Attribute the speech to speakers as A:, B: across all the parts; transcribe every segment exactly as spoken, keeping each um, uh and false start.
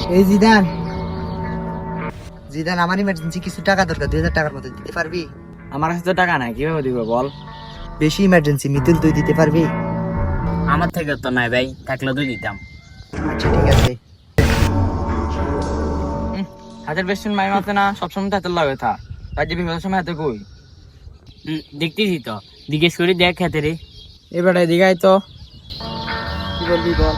A: এই Zidane, Zidane আমার emergency কিছু টাকা দরকার, দুই হাজার টাকার মতো দিতে পারবি?
B: আমার কাছে তো টাকা নাই, কিভাবে দিব বল?
A: বেশি ইমার্জেন্সি, মিতুল তুই দিতে পারবি?
B: আমার থেকে তো নাই ভাই, থাকলে তুই দিতাম।
A: আচ্ছা ঠিক আছে।
B: হাতের বেশি মাই মারতে না, সবসময় তো হাতের লাগে থা, তাই যে বিপদের সময় হাতে কই দেখতেছি তো, জিজ্ঞেস করি দেখ হাতে রে। এবারে দিঘাই তো কি বলবি বল?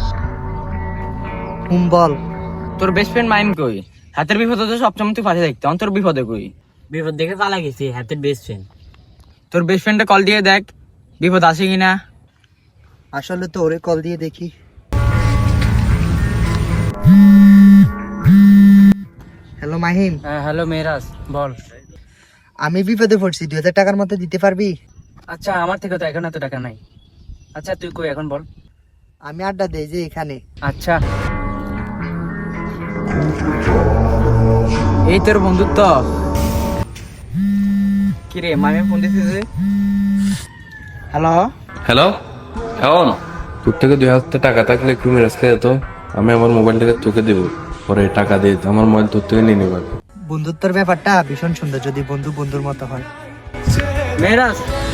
A: হুম বল।
B: তোর বেস্ট ফ্রেন্ড মাইম কই? হাতের বিপদে তো সবসময় তুই পাশে দেখতে, অন্তর বিপদে কই? বিপদ দেখে পালা গেছি হাতের বেস্ট ফ্রেন্ড। তোর বেস্ট ফ্রেন্ডে কল দিয়ে দেখ বিপদ আসে কিনা।
A: আসলে তো ওরে কল দিয়ে দেখি। হ্যালো মাহিম।
B: হ্যাঁ হ্যালো মেরাজ, বল।
A: আমি বিপদে পড়ছি, দুই হাজার টাকার মতো দিতে পারবি?
B: আচ্ছা আমার থেকে তো এখন এত টাকা নাই। আচ্ছা তুই কই এখন বল।
A: আমি আড্ডা দেই যে এখানে।
B: আচ্ছা এই তোর বন্ধুত্ব। কিরে মামি ফোন দিতেছে। হ্যালো
C: হ্যালো, এখন তোর থেকে দুই হাজার টাকা থাকলে একটু মেরাজ খেয়ে যেত, আমি আমার মোবাইলটাকে তোকে দেবো, পরে টাকা দিয়ে আমার মোবাইল তোর থেকে নিয়ে নেবার।
A: বন্ধুত্বের ব্যাপারটা ভীষণ সুন্দর, যদি বন্ধু বন্ধুর মতো হয়।
B: মেরাজ